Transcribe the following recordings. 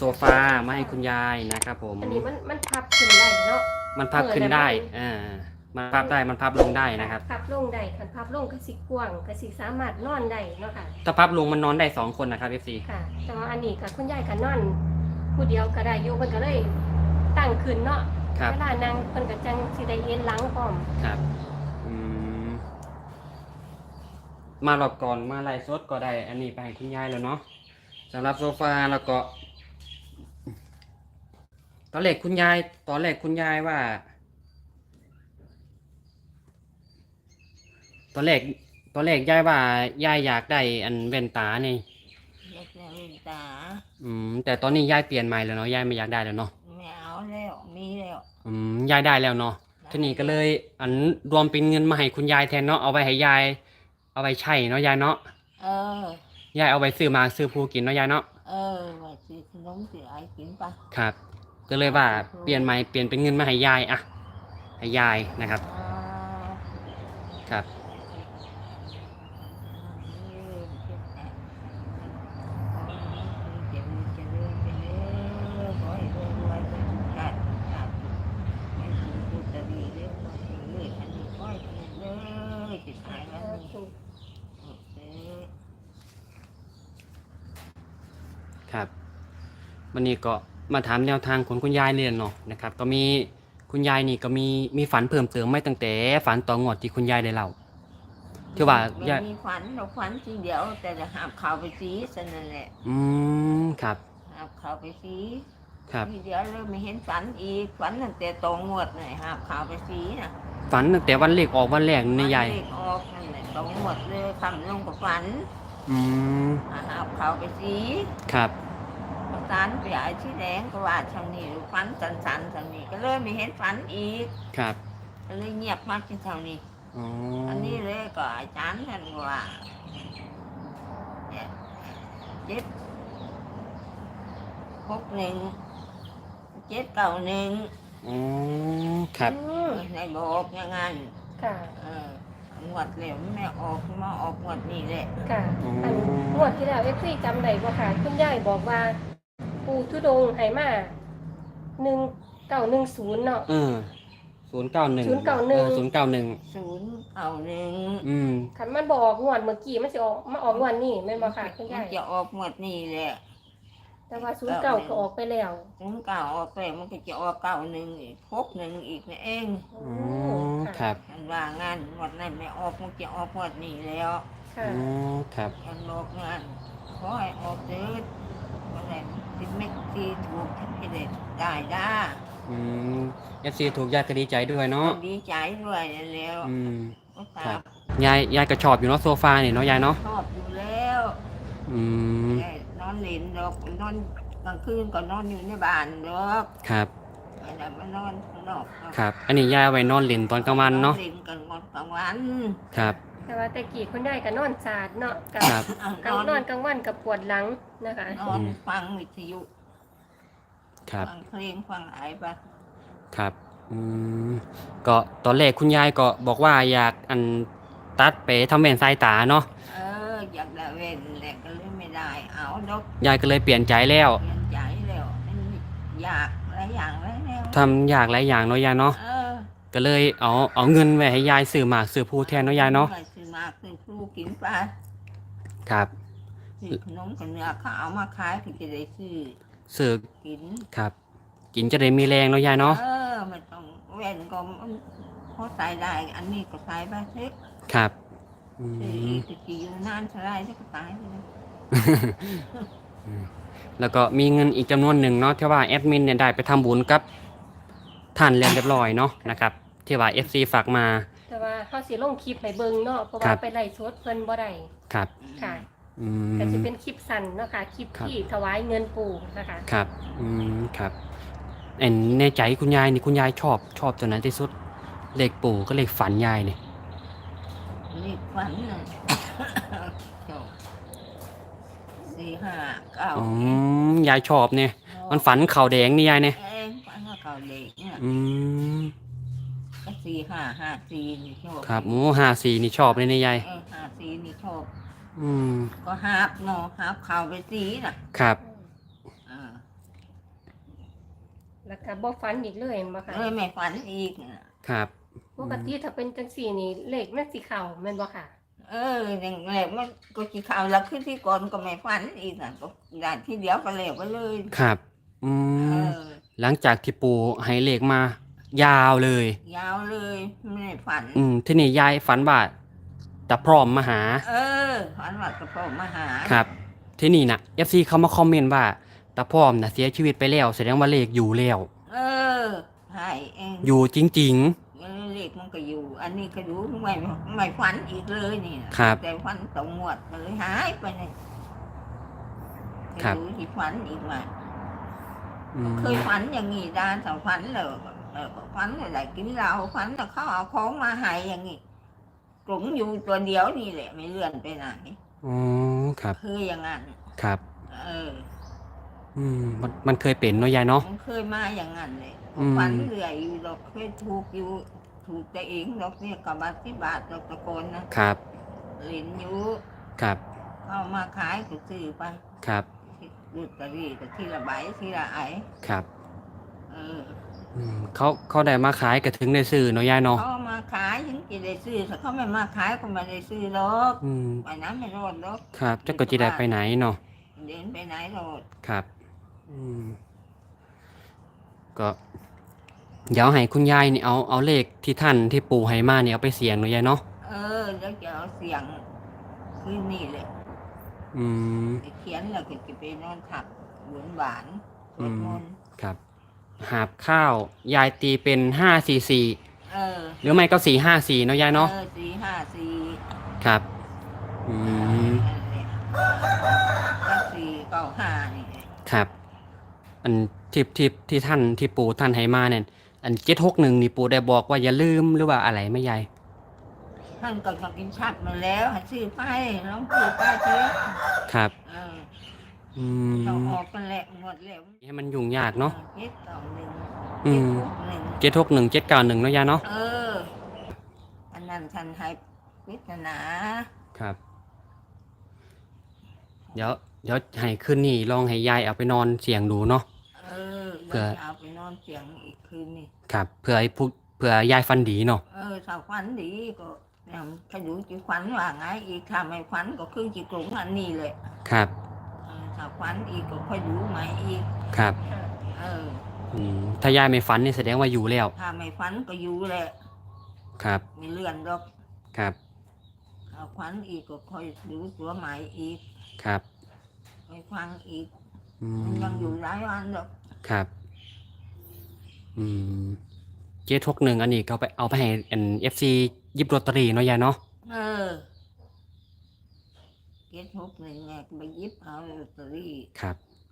ฟามาให้คุณยายนะครับผมอันนี้มันพับขึ้นได้เนาะมันพับขึ้นได้มันพับได้มันพับลงได้นะครับพับลงได้คันพับลงก็สิกว้างก็สิสามารถนอนได้เนาะค่ะถ้าพับลงมันนอนได้2 คนนะครับ FC ค่ะแต่ว่าอันนี้ก็คุณยายก็นอนผู้เดียวก็ได้อยู่เพิ่นก็เลยตั้งขึ้นเนาะเวลานั่งเพิ่นก็จังสิได้เอ็นหลังพร้อมครับมารอบก่อนมาไล่สดก็ได้อันนี้ไปให้คุณยายแล้วเนาะสำหรับโซฟาแล้วก็ตอนแรกคุณยายว่าตอนแรกยายว่ายายอยากได้อันแว่นตานี่อยากได้แว่นตาแต่ตอนนี้ยายเปลี่ยนใหม่แล้วเนาะยายไม่อยากได้แล้วเนาะไม่เอาแล้วมีแล้วยายได้แล้วเนาะทีนี้ก็เลยอันรวมเป็นเงินมาให้คุณยายแทนเนาะเอาไว้ให้ยายเอาไว้ใช้เนาะยายเนาะยายเอาไว้ซื้อมาซื้อผู้กินเนาะยายเนาะไว้ซื้อขนมซื้อไอกินปะครับก็เลยว่าเปลี่ยนใหม่เปลี่ยนเป็นเงินมาให้ยายอะให้ยายนะครับครับครับวันนี้ก็มาถามแนวทางของคุณยายเรียนเนาะนะครับก็มีคุณยายนี่ก็มีฝันเพิ่มเติมไม่ตั้งแต่ฝันต่องวดที่คุณยายได้เล่าที่ว่ายายมีฝันทีเดียวแต่จะหาบข่าวไปซีสนั่นแหละครับหาบข่าวไปซีครับทีเดียวเริ่มไม่เห็นฝันอีกฝันตั้งแต่ตองงวดเลยหาบข่าวไปซีนะฝันตั้งแต่วันเลขออกวันแรกนี่ยายเลขออกนั่นแหละตองงวดเลยคำลงกับฝันหาบข่าวไปซีครับสารใหญ่ที่แดงก็ว่าทางนี้ฝันสันทางนี้ก็เลยไม่เห็นฝันอีกครับก็เลยเงียบมากที่ทางนี้อันนี้เลยก็อาจารย์ท่านว่า 761ครับในบอกอย่างนั้นค่ะงวดเหลวไม่ออกมาออกงวดนี้แหละค่ะอันงวดที่แล้วFCจำได้บ่ค่ะคุณยายบอกว่าปู่ธุดงค์ให้มา1910เนาะ 091 คันมันบอกงวดเมื่อกี้มันสิออกมาออกงวดนี้แม่นบ่ค่ะคุณยายจะออกงวดนี้แหละแต่ว่า09ก็ออกไปแล้ว 09ออกไปมันก็จะออก91อีก61อีกนี่เองครับอันว่างานงวดนั้นไม่ออกมันจะออกงวดนี้แล้วค่ะครับอันบอกงานขอให้ออกเถิดวันไหนที่ไม่ที่ถูกที่ได้ FC ถูกยายก็ดีใจด้วยเนาะดีใจด้วยแล้วครับยายก็ชอบอยู่เนาะโซฟาเนี่ยเนาะยายเนาะชอบอยู่แล้วนอนเล่นดอกนอนกลางคืนก็นอนอยู่ในบ้านดอกครับไม่ได้มานอนข้างนอกครับอันนี้ยายไว้นอนเล่นตอนกลางวันเนาะเล่นกันกลางวันครับแต่ว่าแต่กี้คุณยายก็นอนสาดเนาะกับนอนกลางวันกับปวดหลังนะคะนอนฟังวิทยุครับฟังเพลงฟังอะไรไปครับก็ตอนแรกคุณยายก็บอกว่าอยากตัดไปทำแว่นสายตาเนาะอยากได้แว่นแหละก็เลยไม่ได้เอาดอกยายก็เลยเปลี่ยนใจแล้วอยากหลายอย่างแล้วทำอยากหลายอย่างเนาะยายเนาะก็เลยเอาเงินไว้ให้ยายซื้อหมากซื้อผู้แทนเนาะยายเนาะซื้อหมากซื้อผู้กินไปครับซื้อขนมกับเนื้อเขาเอามาขายถึงจะได้ซื้อกินครับกินจะได้มีแรงเนาะยายเนาะมันต้องแว่นก็พอใส่ได้อันนี้ก็ใส่ไปเล็กครับจะกี่อยู่นานเท่าไรก็ตายเลยแล้วก็มีเงินอีกจำนวนหนึ่งเนาะที่ว่าแอดมินเนี่ยได้ไปทำบุญกับท่านเรียนเรียบร้อยเนาะนะครับที่ว่า FC ฝากมาแต่ว่าเขาสิลงคลิปให้เบิ่งเนาะเพราะว่าไปไล่สดเพิ่นบ่ได้ครับค่ะก็จะเป็นคลิปสั้นเนาะค่ะคลิปที่ถวายเงินปู่นะคะครับครับในใจคุณยายนี่คุณยายชอบตัวไหนที่สุดเลขปู่ก็เลขฝันยายเนี่ยเลขฝันน่ะ 4 5 9ยายชอบเนี่ยมันฝันเข่าแดงนี่ยายเนี่ยฝันเข่าแดงเนี่ยก็4 5 5 4นี่ชอบครับ54นี่ชอบเลยนี่ยาย 54นี่ชอบก็หาบเนาะหาบเข่าไปสีน่ะครับแล้วก็บ่ฝันอีกเลยบ่ค่ะเลยไม่ฝันอีกน่ะครับปกติถ้าเป็นจังซี่นี่เลขมันสิเข้าแม่นบ่ค่ะอย่างแรกมันก็กี่ข่าวแล้วขึ้นที่ก่อนก็ไม่ฝันอีกน่ะก็ได้ที่เดียวก็เลยไปเลยครับอืเอมอหลังจากที่ปู่ให้เลขมา ยาวเลยยาวเลยไม่ได้ฝันที่นี่ยายฝันว่าตาพร้อมมาหาฝันว่ากระโปรงมาหาครับ ที่นี่นะ FC เขามาคอมเมนต์ว่าตาพร้อมนะเสียชีวิตไปแล้วแสดงว่าเลขอยู่แล้วใช่เองอยู่จริงเลขมันก็อยู่ อันนี้ก็ดูไม่ฝันอีกเลยนี่นะครับ แต่ฝันตรงหมดเลยหายไปเลยครับดูที่ฝันอีกมาๆอืมเคยฝันอย่างงี้ดานแต่ฝันเลยฝันอะไรกินเหล้าฝันแต่เขาเอาของมาให้อย่างงี้กลุ่มอยู่ตัวเดียวนี่แหละไม่เลื่อนไปไหนอ๋อครับเคยอย่างนั้นครับเออมันเคยเป็นเนาะยายเนาะมันเคยมาอย่างนั้นเลยอืมฝันเรื่อยอยู่ดอกเคยถูกอยู่ถูกแต่เองดอกเนี่ยกับบาที่บาทดอกตะโกนนะครับ เหรียญอยู่ครับเอามาขายก็ซื้อไปครับลอตเตอรี่ก็ทีละใบทีละไอครับเออเขาได้มาขายก็ถึงได้ซื้อเนาะยายเนาะเขาเอามาขายถึงจะได้ซื้อถ้าเขาไม่มาขายก็ไม่ได้ซื้อหรอกอืมไปนั้นไม่รอดหรอกครับจะก็จะได้ไปไหนเนาะเดินไปไหนรอดครับ ก็เดี๋ยวให้คุณยายนี่เอาเลขที่ท่านที่ปู่ให้มาเนี่ยเอาไปเสี่ยงเนาะยายเนาะแล้วจะเอาเสียงคืนนี่เลยอืมไปเขียนแล้วก็จะไปนอนถักหวานหวานสวดมนต์ครับ หาบข้าวยายตีเป็น544 เออหรือไม่ก็454เนาะยายเนาะ 454 ครับ อืมก็495นี่แหละครับ อันที่ท่านที่ปู่ท่านให้มาเนี่ยอัน761นี่ปู่ได้บอกว่าอย่าลืมหรือว่าอะไรไหม่ยายท่านก็ต้องกินชัดมาแล้วให้ซื้อไปน้องซื้อไปเถอะครับเอออืมต้องออกกันแหละหมดแล้วให้มันยุ่งยากเนาะ 791 อืม 761 761 791เนาะยายเนาะอันนั้นท่านให้พิจารณาครับ เดี๋ยวให้คืนนี้ลองให้ยายเอาไปนอนเสียงดูเนาะ เผื่แล้อวจะเอาไปนอนเสียงอีกคืนนี่ครับเผื่อยายฟันดีเนาะถ้าฝันดีก็ถ้าอยู่จีฝันว่าไงอีกถ้าไม่ฝันก็คือจีกลุ่มอันนี้เลยครับถ้าฝันอีกก็ค่อยดูใหม่อีกครับ ถ้ายายไม่ฝันนี่แสดงว่าอยู่แล้วถ้าไม่ฝันก็อยู่แหละครับไม่เลื่อนหรอกครับถ้าฝันอีกก็ค่อยดูตัวใหม่อีกครับค่อยฟังอีกอืมันยังอยู่มหลายวันหรอกครับ761อันนี้ก็ไปเอาไปให้FC หยิบลอตเตอรี่เนาะยายเนาะ 761ไงไปหยิบเอาลอตเตอรี่ครับ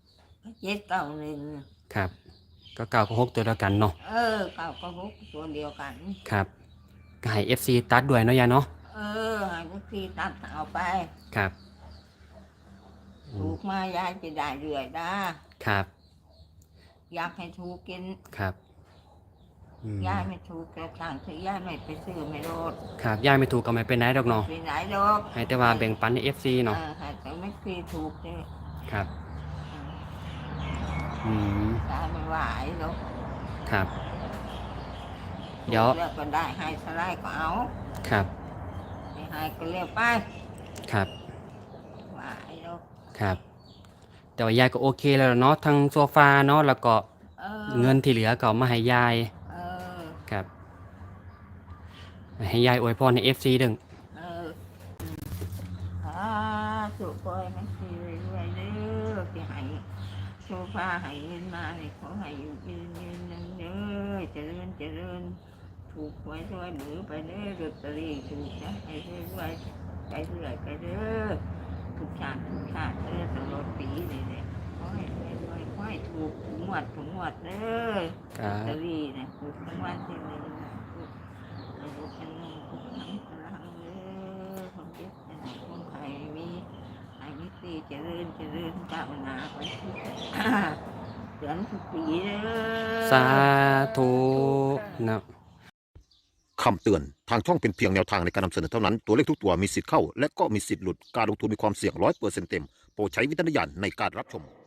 791 ครับ ก็9กับ6ตัวเดียวกันเนาะ 9 กับ 6ตัวเดียวกันครับก็ให้ FC ตัดด้วยเนาะยายเนาะให้พวกพี่ตัดเอาไปครับอืถูมกมายายจะได้เรื่อยนะครับ อยากให้ถูกกินครับอืมยายไม่ถูกแต่สั่งซื้อยายไม่ไปซื้อไม่โลดครับยายไม่ถูกก็ไม่เป็นไรดอกเนาะไปไหนดอกให้แต่ว่าแบ่งปันให้ FC เนาะให้แต่ไม่พี่ถูกเลยครับ อืมยายไม่ไหวหรอกครับ เดี๋ยวถูกแล้วก็ได้ให้สลายก็เอาครับไม่ให้ก็เรียกไปครับไหวหรอกครับ แต่ว่ายายก็โอเคแล้วเนาะทั้งโซฟาเนาะแล้วก็เออเงินที่เหลือก็เอามาให้ยายเออครับ ให้ยายอวยพรให้ FC ดึงสุขอยมันคือรวยเด้อที่ให้โซฟาให้เงินมาเนี่ยขอให้อยู่ยืนนั่งเด้อเจริญถูกหวยรวยหรือไปเด้อลอตเตอรี่ถูกนะให้รวยไปเรื่อยไปเด้อทุกชาติเด้อตลอดปีเลยเนี่ยขอให้รวยขอให้ถูกงวดเด้อคลรัอตเตอบ รี่นะถูกรางวัลที่ 1ถูกอายุเป็นเงินถูกทั้งพลังเด้อความเจ็บเป็นคนไทยมีอายุตีเจริญก้าวหน้าไปทุกเดือนทุกปีเด้อสาธุนะคำเตือน ทางช่องเป็นเพียงแนวทางในการนำเสนอเท่านั้น ตัวเลขทุกตัวมีสิทธิ์เข้า และก็มีสิทธิ์หลุด การลงทุนมีความเสี่ยง100%เต็ม โปรดใช้วิจารณญาณในการรับชม